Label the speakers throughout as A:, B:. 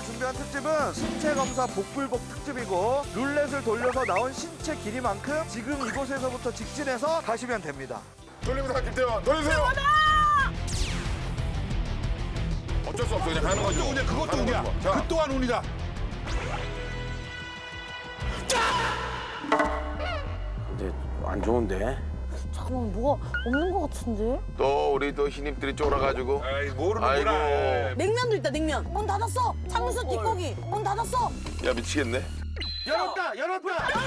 A: 준비한 특집은 신체 검사 복불복 특집이고 룰렛을 돌려서 나온 신체 길이만큼 지금 이곳에서부터 직진해서 가시면 됩니다.
B: 돌립니다, 김태원. 돌리세요. 어쩔 수 없어, 그냥 가는 거죠.
C: 운이야, 그것도 운이야. 그 또한 운이다.
D: 근데 안 좋은데?
E: 잠깐만 뭐가 없는 것 같은데?
B: 또 우리 또 신입들이 쫄아가지고.
C: 에이, 모르는구나.
B: 아이고.
E: 냉면도 있다 냉면. 문 닫았어. 창문서 뒷고기. 문 닫았어.
B: 야, 미치겠네.
A: 열었다! 열었다!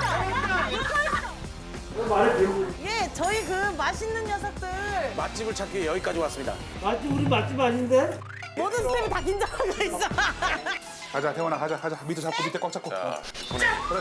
E: 예, 저희 그 맛있는 녀석들.
D: 맛집을 찾기 위해 여기까지 왔습니다.
F: 맛집 우리 맛집 아닌데?
E: 모든 스텝이 다 긴장하고 있어.
C: 가자, 태원아, 가자. 밑에 잡고, 밑에 꽉 잡고.
B: 자,
C: 그래.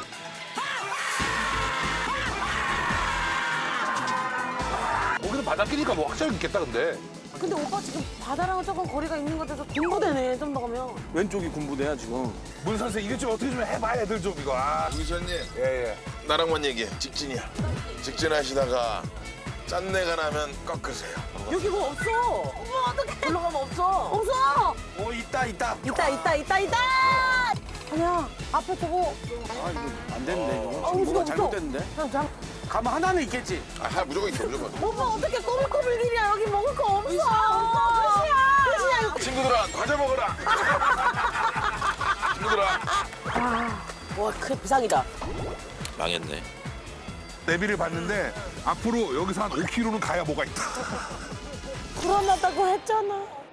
C: 거기는 바닷길이니까 뭐 확실히 있겠다, 근데.
E: 근데 오빠 지금 바다랑은 조금 거리가 있는 것 같아서 군부대네 좀 더 가면.
D: 왼쪽이 군부대야 지금.
C: 문 선생 이게 좀 어떻게 좀 해봐, 애들 좀 이거. 아.
B: 유기선님,
C: 예.
B: 나랑만 얘기해. 직진이야. 직진하시다가 짠내가 나면 꺾으세요.
E: 여기 뭐 없어. 어머 어떡해. 올라가면 없어. 없어.
D: 오 있다.
E: 있다. 아니야 앞에 저거.
D: 아 이거 안 됐는데 이거.
E: 아,
D: 지금 뭐가
E: 없어.
D: 잘못됐는데?
E: 그냥
D: 가면 하나는 있겠지.
B: 아, 무조건 있어, 무조건.
E: 오빠 어떻게 꼬불꼬불길이야 여기 먹을 거 없어. 끝이야.
B: 친구들아, 과자 먹어라. 친구들아.
E: 와 그 비상이다.
B: 망했네.
C: 내비를 봤는데 앞으로 여기서 한 5km는 가야 뭐가 있다.
E: 불안하다고 했잖아.